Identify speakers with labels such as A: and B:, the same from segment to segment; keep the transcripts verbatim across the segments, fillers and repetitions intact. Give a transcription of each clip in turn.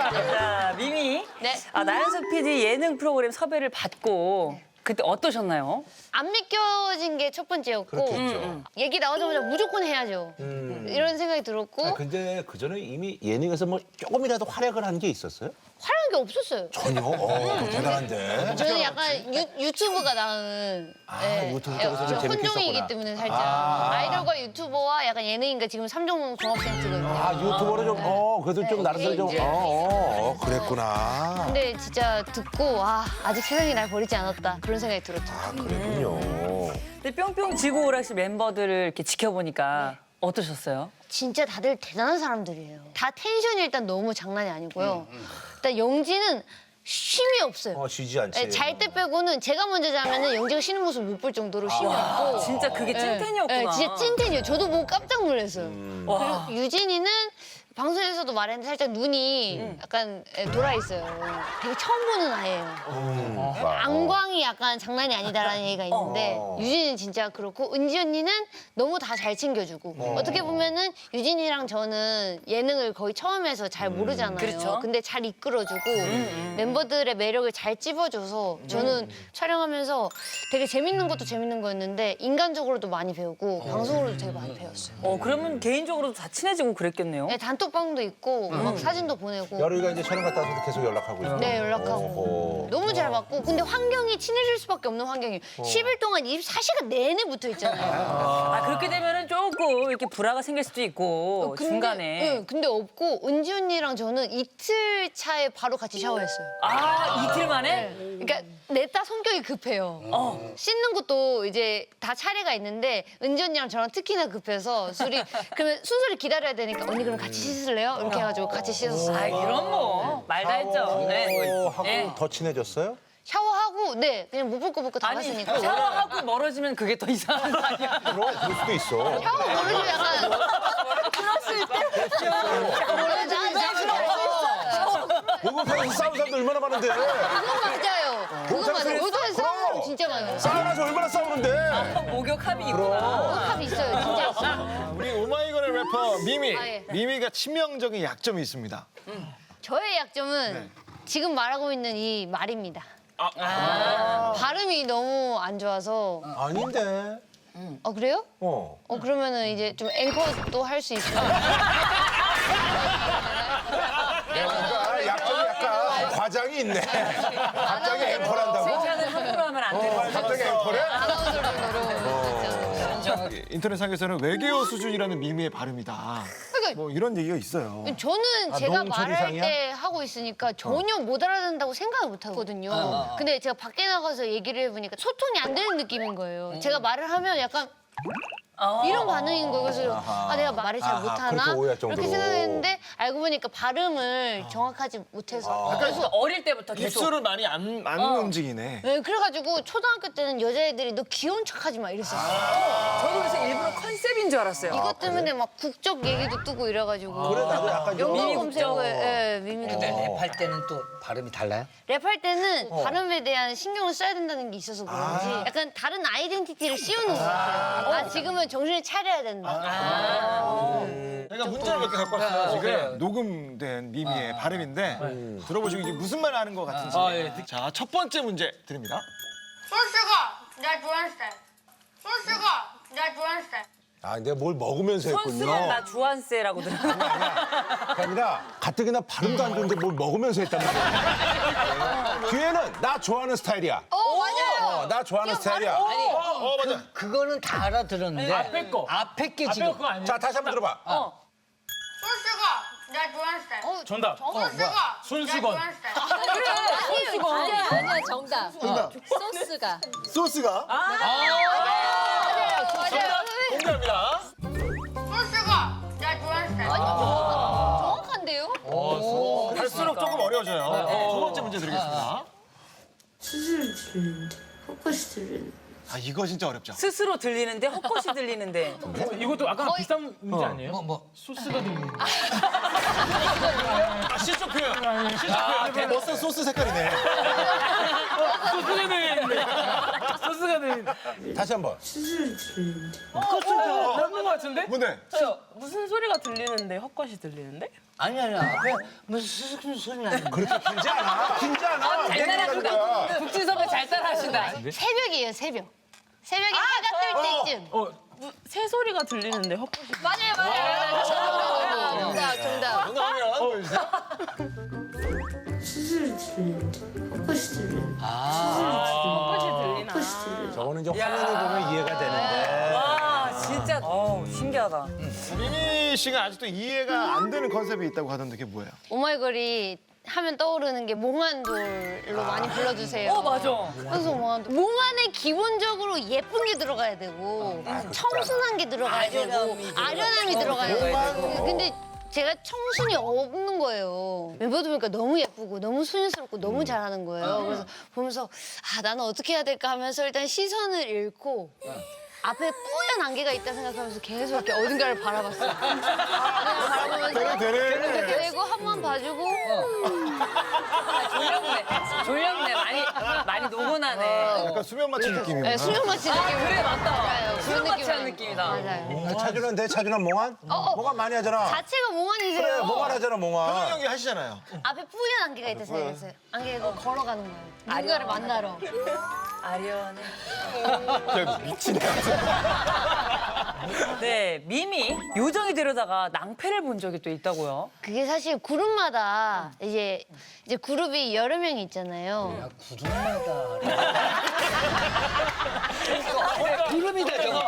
A: 자, 미미.
B: 네.
A: 아, 나연석 피디 예능 프로그램 섭외를 받고 그때 어떠셨나요?
B: 안 믿겨진 게 첫 번째였고
C: 그렇겠죠.
B: 얘기 나오자마자 무조건 해야죠. 이런 생각이 들었고
C: 아, 근데 그 전에 이미 예능에서 뭐 조금이라도 활약을 한 게 있었어요?
B: 화려한 게 없었어요.
C: 전혀. 어, 대단한데.
B: 저는 약간 유, 유튜브가 나은
C: 아,
B: 예,
C: 유튜브
B: 예,
C: 쪽에서 좀
B: 저
C: 재밌게
B: 혼종이기
C: 했었구나.
B: 때문에 살짝
C: 아.
B: 아이돌과 유튜버와 약간 예능인가 지금 삼종 종합 센트거든요.
C: 아, 유튜버로 좀, 어, 그래도 좀 나름대로 좀,
B: 이제.
C: 어, 어, 어, 그랬구나.
B: 근데 진짜 듣고 아 아직 세상이 날 버리지 않았다 그런 생각이 들었죠.
C: 아, 그랬군요.
A: 근데 뿅뿅 지구 오락실 멤버들을 이렇게 지켜보니까 어떠셨어요?
B: 진짜 다들 대단한 사람들이에요. 다 텐션이 일단 너무 장난이 아니고요. 일단 영지는 쉼이 없어요.
C: 어, 쉬지 않지.
B: 네, 잘 때 빼고는 제가 먼저 자면은 영지가 쉬는 모습 못 볼 정도로 쉼이 없고.
A: 진짜 그게 찐텐이었구나.
B: 네, 진짜 찐텐이에요. 저도 보고 깜짝 놀랐어요.
A: 와.
B: 그리고 유진이는 방송에서도 말했는데 살짝 눈이 약간 돌아 있어요. 되게 처음 보는 아이예요. 안광이 약간 장난이 아니다라는 얘기가 있는데
C: 어.
B: 유진이는 진짜 그렇고 은지 언니는 너무 다 잘 챙겨주고 어. 떻게 보면은 유진이랑 저는 예능을 거의 처음 해서 잘 모르잖아요.
A: 그렇죠.
B: 근데 잘 이끌어주고 멤버들의 매력을 잘 찝어줘서 저는 촬영하면서 되게 재밌는 것도 재밌는 거였는데 인간적으로도 많이 배우고 방송으로도 되게 많이 배웠어요.
A: 어, 그러면 개인적으로도 다 친해지고 그랬겠네요.
B: 네, 단톡방도 있고 막 사진도 보내고
C: 여름이가 이제 촬영 갔다 와서 계속 연락하고 있어.
B: 네 연락하고
C: 어허.
B: 너무 잘 맞고 근데 환경이 친해질 수밖에 없는 환경이에요. 십 일 동안 이십사 시간 내내 붙어 있잖아요.
A: 아, 그렇게 되면은 조금 이렇게 불화가 생길 수도 있고
B: 근데,
A: 중간에.
B: 네, 근데 없고 은지 언니랑 저는 이틀 차에 바로 같이 샤워했어요.
A: 아, 이틀 만에?
B: 그러니까 냈다 성격이 급해요. 씻는 것도 이제 다 차례가 있는데 은지 언니랑 저랑 특히나 급해서 술이 그러면 순서를 기다려야 되니까 언니 그럼 같이 씻을래요? 이렇게 해가지고 같이 씻었어요.
A: 아, 이런 뭐. 말 다 했죠. 네.
C: 어, 하고
A: 네.
C: 더 친해졌어요?
B: 샤워하고 네 그냥 못 볼 거 볼 거 다
A: 아니,
B: 봤으니까.
A: 샤워하고 멀어지면 그게 더 이상한 거 아니야?
C: 그럼 그럴 수도 있어.
B: 샤워 모르고 약간 들었을 때
C: 목욕탕에서 싸운 사람도 얼마나 많은데.
B: 그건 맞아요. 그건 맞아요.
C: 그럼.
B: 요새 싸우는 거 진짜 많아요.
C: 싸워서 얼마나 싸우는데.
A: 목욕함이 있구나.
B: 합이 있어요. 진짜 있어요.
D: 우리 오마이걸의 래퍼 미미.
B: 아, 예.
D: 미미가 치명적인 약점이 있습니다.
B: 저의 약점은
D: 네.
B: 지금 말하고 있는 이 말입니다. 아. 발음이 너무 안 좋아서.
C: 아닌데.
B: 어 그래요?
C: 어.
B: 어 그러면은 이제 좀 앵커도 할 수 있어요.
C: 그러니까 약점이 약간 과장이 있네. 갑자기 앵콜 한다고?
A: 칭찬을 함부로 하면 안 되는 거죠.
C: 갑자기 앵콜해?
B: 아나운서 정도로.
D: 인터넷상에서는 외계어 수준이라는 미미의 발음이다.
B: 그러니까
D: 뭐 이런 얘기가 있어요.
B: 저는
C: 아,
B: 제가
C: 너무
B: 말할
C: 처리상이야?
B: 때 하고 있으니까 전혀 못 알아듣는다고 생각을 못 하거든요. 근데 제가 밖에 나가서 얘기를 해보니까 소통이 안 되는 느낌인 거예요. 제가 말을 하면 약간 이런 반응인 거예요. 그래서 아, 내가 말을 잘
C: 아하,
B: 못하나?
C: 그렇게 오해할 정도로.
B: 이렇게 생각했는데 알고 보니까 발음을 정확하지 못해서.
A: 그래서 어릴 때부터 계속.
D: 입술을 많이 안, 안 움직이네.
B: 네, 그래가지고 초등학교 때는 여자애들이 너 귀여운 척하지 마 이랬었어요.
A: 저도 그래서 일부러 컨셉인 줄 알았어요.
B: 이것 때문에 막 국적 얘기도 뜨고 이래가지고.
C: 그래, 나도 약간 좀.
B: 영어
A: 미미
B: 검색어에 예, 미미
E: 근데
B: 국적.
E: 랩할 때는 또 발음이 달라요?
B: 랩할 때는 발음에 대한 신경을 써야 된다는 게 있어서 그런지 약간 다른 아이덴티티를 씌우는 것 같아요. 아, 지금은 정신을 차려야 된다.
D: 제가 문자를 몇 개 갖고 왔어요. 지금 녹음된 미미의 발음인데 들어보시고 이게 무슨 말 하는 것 같은지. 자, 첫 번째 문제 드립니다.
F: 소스가 나 좋아하는 스타일. 소스가 나 좋아하는 스타일.
C: 아, 내가 뭘 먹으면서
A: 선수는
C: 했군요.
A: 나 주한세라고 들었는데.
C: 그게 아니라 가뜩이나 발음도 안 좋은데 뭘 먹으면서 했단 말이야. 뒤에는 나 좋아하는 스타일이야.
B: 어, 맞아요.
C: 어, 나 좋아하는 스타일이야.
D: 어, 맞아.
E: 그거는 다 알아들었는데 앞에 거 앞에 게 지금
C: 자, 다시 한번 들어봐.
F: 소스가 나 좋아하는 스타일.
B: 어,
G: 정답.
F: 소스가
G: 손수건.
F: 나 좋아하는 스타일.
H: 아니야, 아니야, 정답. 소스가.
D: 소스가
B: 맞아요.
D: 공개합니다.
F: 소스가 나 좋아하는 스타일.
B: 정확한데요?
D: 갈수록 조금 어려워져요. 두 번째 문제 드리겠습니다.
I: 수술을 들리는데 헛것이 들리는데
D: 아, 이거 진짜 어렵죠.
A: 스스로 들리는데 헛것이 들리는데.
G: 이것도 아까 비슷한 문제 아니에요?
E: 뭐 뭐.
G: 소스가 들리는.
D: 아, 실적 표현. 실적 표현. 멋선 소스 색깔이네.
G: 소스가 들리는데. 소스가 들린.
C: 다시 한번.
I: 수술 들리는데.
G: 맞는 것 같은데?
D: 뭔데?
A: 무슨 소리가 들리는데 헛것이 들리는데?
E: 아니 아니야. 앞에 무슨 수술 소리 나는.
C: 그렇게 길지 않아. 길지 않아.
A: 잘 따라하신다. 국진 선배 잘 따라하신다.
B: 새벽이에요, 새벽. 새벽에 해가 뜰 때쯤.
G: 어,
A: 새소리가 들리는데 헛것이.
B: 맞아요, 맞아요. 정답, 정답.
D: 정답이야. 보여주세요.
I: 수술 들리는데. 헛것이 들리는데.
A: 헛것이 들리나.
I: 헛것이 들리는데.
C: 저거는 이제 화면을 보면 이해가 되는데.
A: 와, 진짜 어우, 신기하다.
D: 미미 씨가 아직도 이해가 안 되는 컨셉이 있다고 하던데 그게 뭐예요?
B: 오마이걸이 하면 떠오르는 게 몽환돌로 많이 불러주세요.
A: 어, 맞아.
B: 그래서 몽환돌. 몽환에 기본적으로 예쁜 게 들어가야 되고 청순한 게 들어가야 되고 아련함이 들어가야 되고. 근데 제가 청순이 없는 거예요. 멤버들 보니까 너무 예쁘고 너무 소녀스럽고 너무 잘하는 거예요. 그래서 보면서 아 나는 어떻게 해야 될까 하면서 일단 시선을 잃고 앞에 뿌연 안개가 있다 생각하면서 계속 이렇게 어딘가를 바라봤어요. 바라보면서
D: 되네.
B: 그리고 한 번 봐주고
A: 졸렸네. 졸렸네. 많이, 많이 노곤하네.
D: 약간 수면 마취 느낌이구나.
B: 네, 수면 마취 느낌.
A: 그래, 맞다.
B: 맞아요.
A: 수면
B: 그런
A: 마취한
B: 느낌
A: 느낌이다.
B: 맞아요.
C: 차준환 돼? 차준환 몽환?
B: 어.
C: 몽환 많이 하잖아.
B: 자체가 몽환이세요.
C: 그래, 몽환 하잖아,
D: 현영
C: 몽환.
D: 형이 하시잖아요.
B: 앞에 뿌연 안개가 있다 생각했어요. 안개가 걸어가는 거예요. 누군가를 만나러.
A: 아련해.
D: 야, 미치네.
A: 네, 미미 요정이 되려다가 낭패를 본 적이 또 있다고요.
B: 그게 사실 그룹마다 이제 이제 그룹이 여러 명이 있잖아요.
E: 구름마다. 구름이다 저거.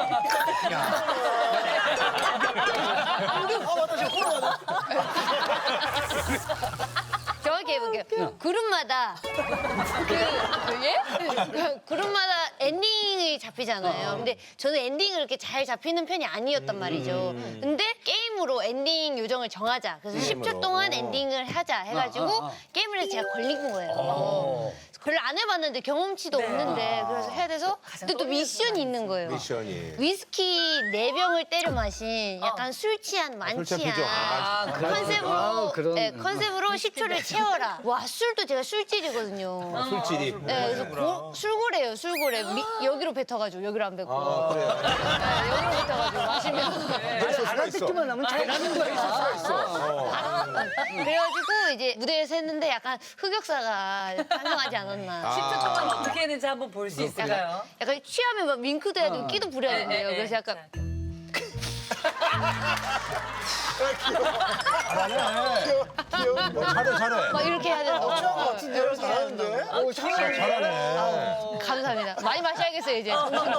B: 정확히 해볼게요. 그룹마다 그, 그 예? 그 그룹마다 엔딩이 잡히잖아요. 근데 저는 엔딩을 이렇게 잘 잡히는 편이 아니었단 말이죠. 근데 게임으로 엔딩 요정을 정하자. 그래서 십 초 동안 엔딩을 하자 해가지고 게임을 해서 제가 걸린 거예요. 별로 안 해봤는데 경험치도 없는데 그래서 해야 돼서 근데 또 미션이 있는 거예요.
C: 미션이.
B: 위스키 네 병을 때려 마신 약간 술 취한
C: 술 취한 표정.
B: 만취한
C: 아,
B: 컨셉으로
E: 아, 그런.
B: 네, 컨셉으로 십 초를 채워라. 와 술도 제가 술질이거든요.
C: 술질이.
B: 네, 그래서 고, 술고래예요, 술고래. 미, 여기로 뱉어가지고 여기로 안 뱉고.
C: 아, 그래.
B: 네, 여기로 뱉어가지고 마시면.
E: 알아듣기만 하면 잘하는 거야.
B: 그래가지고 이제 무대에서 했는데 약간 흑역사가 상상하지 않았나.
A: 십 초 동안 어떻게 했는지 한번 볼 수 있을까요?
B: 약간 취하면 막 윙크도 해야 되고 끼도 부려야 된대요.
A: 네, 네,
B: 그래서 약간
C: 어, 잘해, 잘해.
B: 막 이렇게 해야 된다고.
D: 같은데요? 잘하는데? 오, 잘하네.
C: 잘하네.
B: 감사합니다. 많이 마셔야겠어요 이제.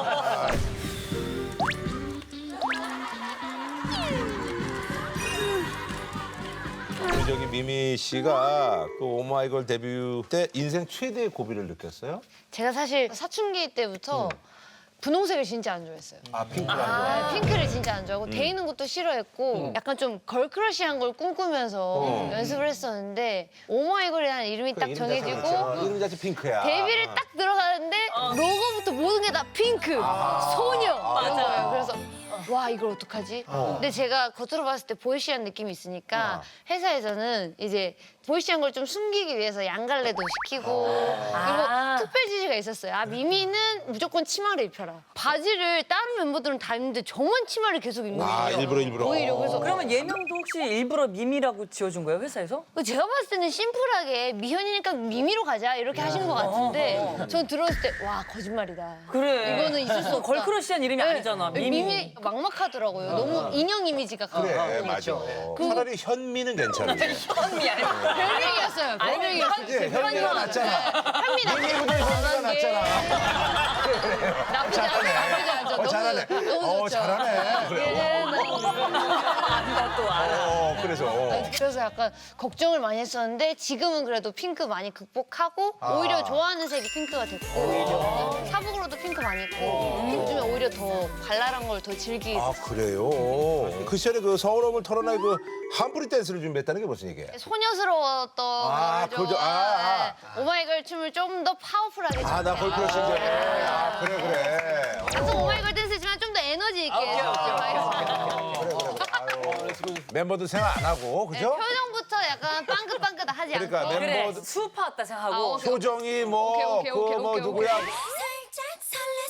C: 우리 저기 미미 씨가 그 오마이걸 데뷔 때 인생 최대의 고비를 느꼈어요?
B: 제가 사실 사춘기 때부터 분홍색을 진짜 안 좋아했어요.
C: 아, 핑크라는 거.
B: 네, 핑크를 진짜 안 좋아하고 데이는 것도 싫어했고 약간 좀 걸크러쉬한 걸 꿈꾸면서 연습을 했었는데 오마이걸이라는 이름이 딱 정해지고
C: 이름 자체 핑크야.
B: 데뷔를 딱 들어가는데 로고부터 모든 게 다 핑크, 소녀 이런 거예요. 그래서 와 이걸 어떡하지? 근데 제가 겉으로 봤을 때 보이시한 느낌이 있으니까 회사에서는 이제 보이시한 걸 좀 숨기기 위해서 양갈래도 시키고 그리고 특별 지시가 있었어요. 아 미미는 무조건 치마를 입혀라. 바지를 다른 멤버들은 다 입는데 저만 치마를 계속 입는 거예요.
C: 아, 일부러, 일부러.
B: 오히려 그래서
A: 그러면 예명도 혹시 일부러 미미라고 지어준 거예요, 회사에서?
B: 제가 봤을 때는 심플하게 미현이니까 미미로 가자 이렇게 하신 것 같은데 전 들었을 때 와 거짓말이다.
A: 그래.
B: 이거는 있을 수 없다.
A: 걸크러쉬한 이름이 아니잖아,
B: 네,
A: 미미.
B: 미미 막막하더라고요. 너무 인형 이미지가
C: 그래,
B: 강하고.
C: 맞아. 차라리 현미는 괜찮은데.
A: 현미 아니야.
B: 별명이었어요. 별명이었어요.
C: 그치? 현미가 낫잖아.
B: 현미 나
C: 미미보다 현미가 낫잖아.
B: 나쁘지 않아. 나쁘지 않죠.
C: 어,
B: 너무
C: 잘하네.
B: 너무
C: 어,
B: 좋죠.
C: 잘하네. 그래.
B: 예, 너무
A: 안다 또 알아.
C: 어, 그래서. 어.
B: 그래서 약간 걱정을 많이 했었는데 지금은 그래도 핑크 많이 극복하고 오히려 좋아하는 색이 핑크가 됐고 사복으로도 핑크 많이 입고 핑크 주면 오히려 더 발랄한 걸 더 즐기게
C: 아, 그래요? 그 시절에 그 서울업을 털어낼 그 한풀이 댄스를 준비했다는 게 무슨 얘기예요?
B: 소녀스러웠던
C: 아,
B: 거죠.
C: 그죠. 아, 아.
B: 네. 오마이걸 춤을 좀 더 파워풀하게
C: 아, 나 걸크러쉬인데. 아, 그래, 그래.
B: 같은 오마이걸 댄스지만 좀 더 에너지 있게 해줬죠.
C: 그래, 그래. 아유, 멤버들 생각 안 하고,
B: 네,
C: 그죠?
B: 표정부터 약간 빵긋빵긋하지
C: 그러니까
B: 않고
C: 멤버-
A: 그래,
C: 멤버들-
A: 수우파 왔다 생각하고.
B: 아, 오케이.
C: 효정이 뭐,
B: 오케이, 오케이,
C: 그
B: 오케이,
C: 뭐
B: 오케이,
C: 누구야?
B: 오케이.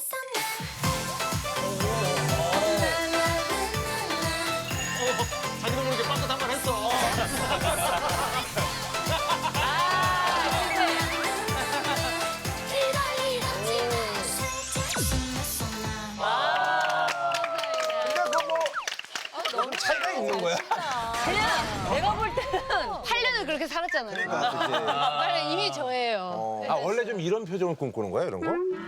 A: 그냥 내가 볼 때는
B: 팔 년을 그렇게 살았잖아요.
C: 아,
B: 빨리 이미 저예요.
C: 어. 아, 원래 좀 이런 표정을 꿈꾸는 거야, 이런 거?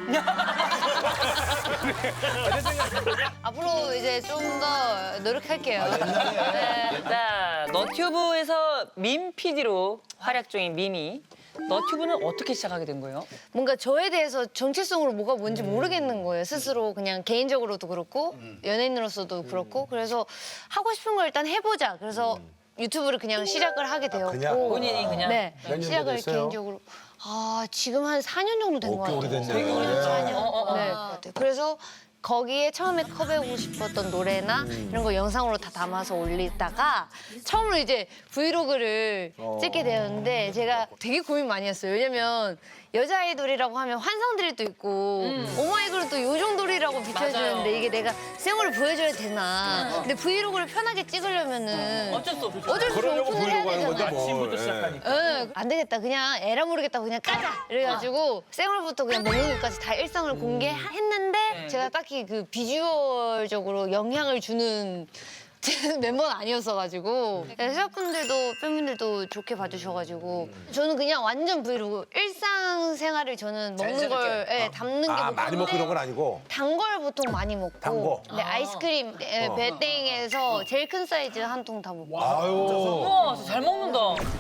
B: 앞으로 이제 좀 더 노력할게요. 네.
A: 자, 너튜브에서 밈 피디로 활약 중인 미미. 너튜브는 어떻게 시작하게 된 거예요?
B: 뭔가 저에 대해서 정체성으로 뭐가 뭔지 모르겠는 거예요. 스스로 그냥 개인적으로도 그렇고 연예인으로서도 그렇고 그래서 하고 싶은 걸 일단 해보자. 그래서 유튜브를 그냥 시작을 하게 되었고
C: 그냥?
A: 본인이 그냥?
B: 네
C: 몇 년
B: 시작을
C: 됐어요?
B: 개인적으로 아 지금 한 사 년 정도 된
C: 오,
B: 것
C: 꽤
B: 같아요.
C: 오래됐네.
B: 되게 오래됐죠. 사 년.
A: 어, 어, 어.
B: 네, 것 같아요. 그래서 거기에 처음에 컵해보고 싶었던 노래나
C: 음.
B: 이런 거 영상으로 다 담아서 올리다가 처음으로 이제 브이로그를
C: 어.
B: 찍게 되었는데 제가 되게 고민 많이 했어요. 왜냐면 여자 아이돌이라고 하면 환상들이 또 있고
A: 음.
B: 오마이걸은 또 요정돌이라고 비춰주는데 이게 내가 생얼을 보여줘야 되나. 근데 브이로그를 편하게 찍으려면은
A: 어쩔 수 없죠.
B: 어쩔 수 없이
C: 그러려고
B: 오픈을 해야
C: 보이려고 하는 건데
B: 되잖아.
C: 뭐.
G: 아침부터 시작하니까.
B: 응, 안 되겠다. 그냥 에라 모르겠다고 그냥 까자. 이래가지고 생얼부터 그냥 먹는 것까지 다 일상을 공개했는데 제가 딱히 그 비주얼적으로 영향을 주는 멤버는 아니었어가지고 회사분들도 팬분들도 좋게 봐주셔가지고 저는 그냥 완전 브이로그 일상생활을 저는 먹는 걸 예, 담는 게
C: 아, 많이 먹고 이런 건 아니고.
B: 단 걸 보통 많이 먹고
C: 단 거?
B: 네, 아이스크림 예, 배땡에서 제일 큰 사이즈 한 통 다 먹고
C: 아유.
A: 우와, 진짜 잘 먹는다.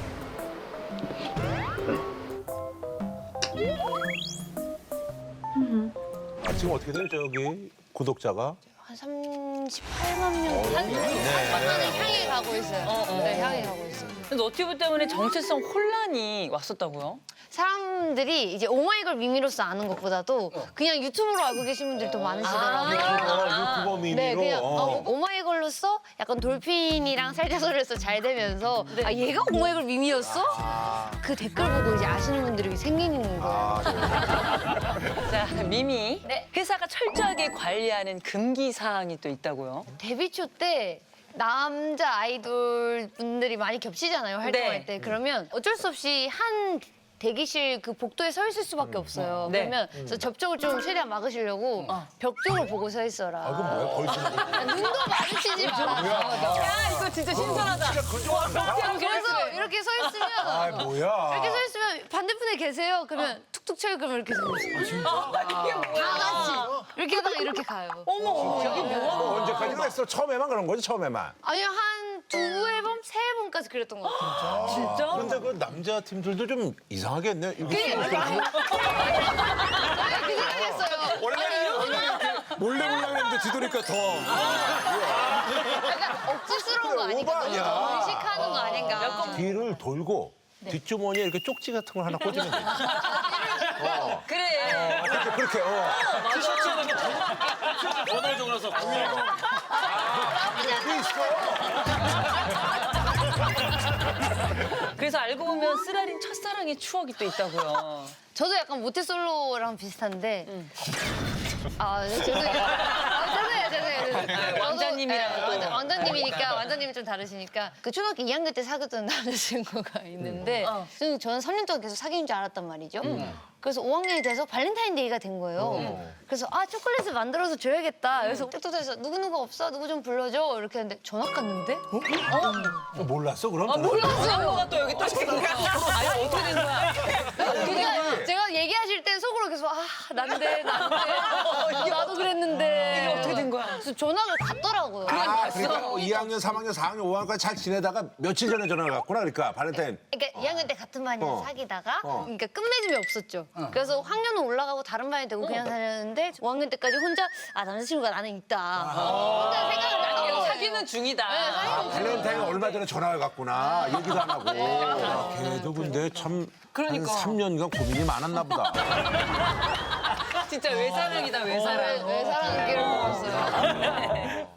C: 아, 지금 어떻게 돼요, 저기 구독자가?
B: 한 삼십팔만 명, 한 삼십팔만 명을 향해 가고 있어요. 네, 향해 가고 있어요.
A: 근데 너튜브 때문에 정체성 혼란이 왔었다고요?
B: 사람들이 이제 오마이걸 미미로서 아는 것보다도 그냥 유튜브로 알고 계신 분들이 더 많으시더라고요.
C: 어, 유튜버 미미로.
B: 네, 그냥
C: 어.
B: 어, 오마이걸로서 약간 돌핀이랑 살자소리에서 잘 되면서 아 얘가 오마이걸 미미였어? 그 댓글 보고 이제 아시는 분들이 생기는 거예요.
C: 아, 네.
A: 자, 미미.
B: 네.
A: 회사가 철저하게 관리하는 금기 사항이 또 있다고요?
B: 데뷔 초 때 남자 아이돌 분들이 많이 겹치잖아요 활동할
A: 네.
B: 때 그러면 어쩔 수 없이 한 대기실 그 복도에 서 있을 수밖에 없어요.
A: 네.
B: 그러면 그래서 접촉을 좀 최대한 막으시려고 벽 쪽을 보고 서 있어라.
C: 아, 그건 뭐야? 거의 쓰는 거.
B: 아, 눈도 마주치지 마라.
A: 야, 이거 진짜 신선하다.
B: 그래서 이렇게 서 있으면
C: 아, 뭐야.
B: 이렇게 서 있으면 반대편에 계세요. 그러면 툭툭 쳐요. 그러면 이렇게 서 있어요. 다 같이 이렇게 하다가 이렇게 가요.
A: 어머, 어머, 이게 뭐야?
C: 뭐 언제까지 했어? 처음에만 그런 거지, 처음에만.
B: 아니요 한 두 앨범, 세 앨범까지 그랬던 것 같아요.
A: 진짜?
C: 근데 그 남자 팀들도 좀 이상하겠네. 이게
B: 그 생각했어요.
D: 원래 원래 이렇게 몰래 몰래 했는데 뒤돌니까 더.
B: 약간 억지스러운 거 아닌가?
C: 오버
B: 너무
C: 아니야.
B: 의식하는 거 아닌가?
C: 뒤를 돌고
B: 네.
C: 뒷주머니에 이렇게 쪽지 같은 걸 하나 꽂으면 돼.
A: 그래.
C: 그렇게, 그렇게, 어.
D: 전화 적어서 구일공.
C: 그게 있어.
A: 그래서 알고 보면 쓰라린 첫사랑의 추억이 또 있다고요.
B: 저도 약간 모태솔로랑 비슷한데. 아, 죄송해요. 아, 죄송해요, 죄송해요. 저도,
A: 왕자님이랑
B: 예,
A: 또.
B: 왕자, 왕자님이니까, 왕자님이 좀 다르시니까. 그 초등학교 이 학년 때 사귀었던 남자친구가 있는데, 저는, 저는 삼 년 동안 계속 사귄 줄 알았단 말이죠. 그래서 오 학년이 돼서 발렌타인데이가 된 거예요. 그래서 아, 초콜릿을 만들어서 줘야겠다. 그래서 뚝뚝해서 누구누구 없어? 누구 좀 불러줘. 이렇게 했는데 전화 갔는데?
C: 어, 몰랐어, 그럼?
A: 아, 몰랐어. 뭐가 또 여기 또 생겨. 아니, 어떻게 된 거야?
B: 그러니까 제가 얘기하실 땐 속으로 계속 아 난데 난데 어, 나도 그랬는데
A: 이게 어떻게 된 거야?
B: 그래서 전화가 갔더라고요.
C: 아, 그러니까 이 학년, 삼 학년, 사 학년, 오 학년까지 잘 지내다가 며칠 전에 전화가 갔구나, 그러니까 발렌타인.
B: 그러니까 이 학년 때 같은 반이랑
C: 어.
B: 사귀다가
C: 어.
B: 그러니까 끝맺음이 없었죠. 그래서 학년은 올라가고 다른 반이 되고 그냥 다녔는데 오 학년 때까지 혼자 아 남자친구가 나는 있다. 혼자 생각을 안 하고
A: 사귀는 중이다.
C: 아, 발렌타인 얼마 전에 전화가 갔구나. 얘기도 안 하고. 아, 걔도 근데 참.
A: 그러니까.
C: 한 삼 년간 고민이 많았나 보다.
A: 진짜 외사랑이다, 외사랑.
B: 왜 사랑기를 보고 있어요.